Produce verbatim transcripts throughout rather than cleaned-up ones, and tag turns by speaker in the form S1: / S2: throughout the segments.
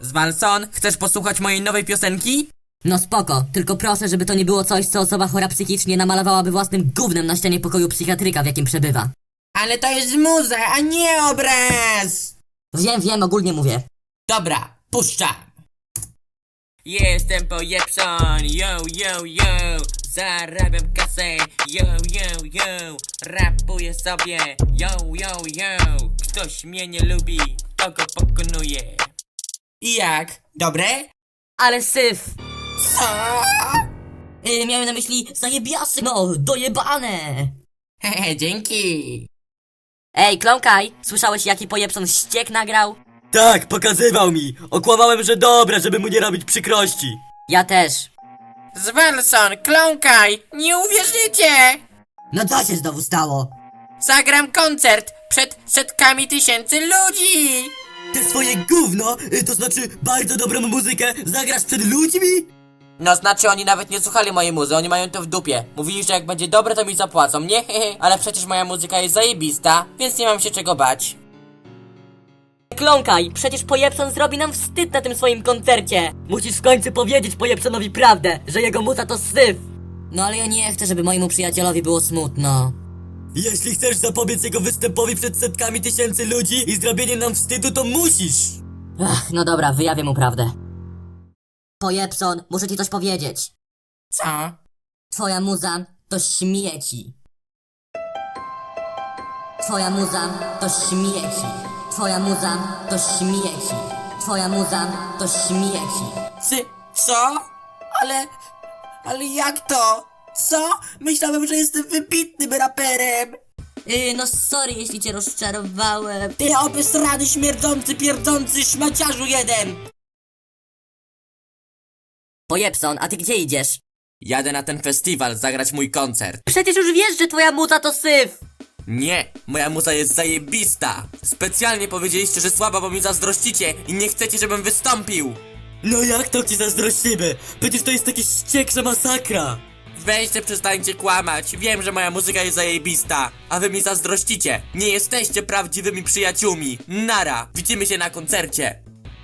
S1: Zwalson, chcesz posłuchać mojej nowej piosenki?
S2: No spoko, tylko proszę, żeby to nie było coś, co osoba chora psychicznie namalowałaby własnym gównem na ścianie pokoju psychiatryka, w jakim przebywa.
S1: Ale to jest muza, a nie obraz!
S2: Wiem, wiem, ogólnie mówię.
S1: Dobra, puszczam. Jestem pojepson, yo, yo, yo. Zarabiam kasę, yo, yo, yo. Rapuję sobie, yo, yo, yo. Ktoś mnie nie lubi, to go pokonuje. I jak? Dobre?
S2: Ale syf!
S1: Co?
S2: Yy, miałem na myśli zajebiasy, no, dojebane!
S1: Hehe, dzięki.
S2: Ej, Klonkaj, słyszałeś jaki pojepson ściek nagrał?
S3: Tak, pokazywał mi. Okłamałem, że dobra, żeby mu nie robić przykrości.
S2: Ja też.
S1: Zwalson, kląkaj, nie uwierzycie!
S2: No co się znowu stało?
S1: Zagram koncert przed setkami tysięcy ludzi!
S3: Te swoje gówno, y, to znaczy bardzo dobrą muzykę, zagrasz przed ludźmi?
S1: No znaczy oni nawet nie słuchali mojej muzy, oni mają to w dupie. Mówili, że jak będzie dobre to mi zapłacą, nie? Hehe, ale przecież moja muzyka jest zajebista, więc nie mam się czego bać.
S2: Klonkaj, przecież pojepson zrobi nam wstyd na tym swoim koncercie. Musisz w końcu powiedzieć pojepsonowi prawdę, że jego muza to syf. No ale ja nie chcę, żeby mojemu przyjacielowi było smutno.
S3: Jeśli chcesz zapobiec jego występowi przed setkami tysięcy ludzi i zrobienie nam wstydu, to musisz.
S2: Ach, no dobra, wyjawię mu prawdę. Pojepson, muszę ci coś powiedzieć.
S1: Co?
S2: Twoja muza to śmieci. Twoja muza to śmieci. Twoja muza to śmieci. Twoja muza to śmieci.
S1: Ty, co? Ale... ale jak to? Co? Myślałem, że jestem wybitnym raperem!
S2: Yy, no sorry, jeśli cię rozczarowałem.
S1: Ty obesrany, śmierdzący, pierdzący szmaciarzu jeden!
S2: Pojepson, a ty gdzie idziesz?
S1: Jadę na ten festiwal zagrać mój koncert.
S2: Przecież już wiesz, że twoja muza to syf!
S1: Nie, moja muza jest zajebista. Specjalnie powiedzieliście, że słaba, bo mi zazdrościcie i nie chcecie, żebym wystąpił.
S3: No jak to ci zazdrościmy? Przecież to jest takie ścieksza masakra.
S1: Weźcie, przestańcie kłamać. Wiem, że moja muzyka jest zajebista, a wy mi zazdrościcie. Nie jesteście prawdziwymi przyjaciółmi. Nara, widzimy się na koncercie.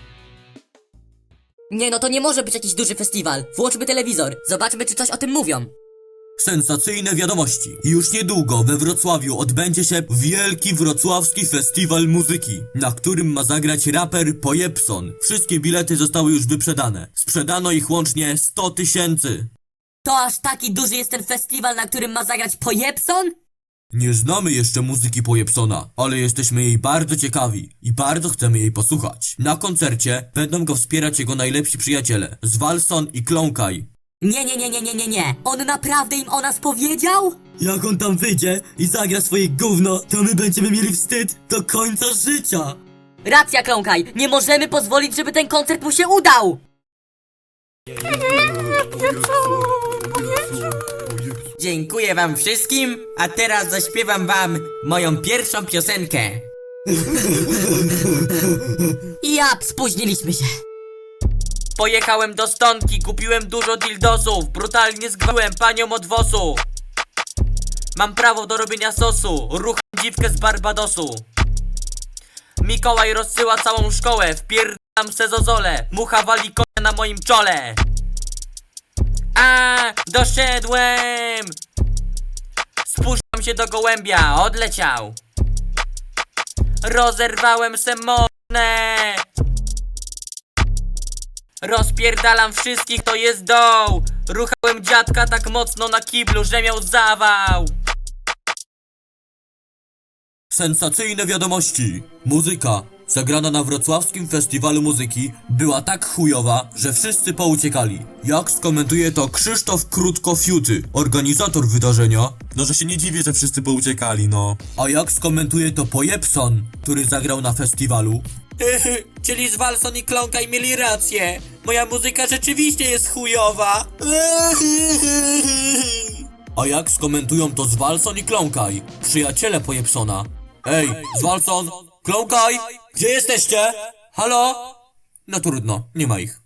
S2: Nie no, to nie może być jakiś duży festiwal. Włączmy telewizor, zobaczmy czy coś o tym mówią.
S3: Sensacyjne wiadomości. Już niedługo we Wrocławiu odbędzie się Wielki Wrocławski Festiwal Muzyki, na którym ma zagrać raper Pojepson. Wszystkie bilety zostały już wyprzedane. Sprzedano ich łącznie sto tysięcy.
S2: To aż taki duży jest ten festiwal, na którym ma zagrać Pojepson?
S3: Nie znamy jeszcze muzyki Pojepsona, ale jesteśmy jej bardzo ciekawi i bardzo chcemy jej posłuchać. Na koncercie będą go wspierać jego najlepsi przyjaciele, Zwalson i Klonkaj.
S2: Nie, nie, nie, nie, nie, nie, nie. On naprawdę im o nas powiedział?
S3: Jak on tam wyjdzie i zagra swoje gówno, to my będziemy mieli wstyd do końca życia.
S2: Racja, Klonkaj, nie możemy pozwolić, żeby ten koncert mu się udał!
S1: Dziękuję wam wszystkim, a teraz zaśpiewam wam moją pierwszą piosenkę.
S2: Ja, spóźniliśmy się.
S1: Pojechałem do Stonki, kupiłem dużo dildosów, brutalnie zgwałciłem panią od wosu. Mam prawo do robienia sosu, rucham dziwkę z Barbadosu. Mikołaj rozsyła całą szkołę, wpierdam se zozole, mucha wali konia na moim czole. A, doszedłem! Spuszczam się do gołębia, odleciał. Rozerwałem se mornę. Rozpierdalam wszystkich, to jest doł. Ruchałem dziadka tak mocno na kiblu, że miał zawał.
S3: Sensacyjne wiadomości. Muzyka zagrana na Wrocławskim Festiwalu Muzyki była tak chujowa, że wszyscy pouciekali. Jak skomentuje to Krzysztof Krótko-Fiuty, organizator wydarzenia. No, że się nie dziwię, że wszyscy pouciekali, no. A jak skomentuje to Pojepson, który zagrał na festiwalu.
S1: Czyli Zwalson i Klonkaj mieli rację. Moja muzyka rzeczywiście jest chujowa.
S3: A jak skomentują to Zwalson i Klonkaj, przyjaciele Pojepsona. Ej, Zwalson, Klonkaj, gdzie jesteście? Halo? No trudno, nie ma ich.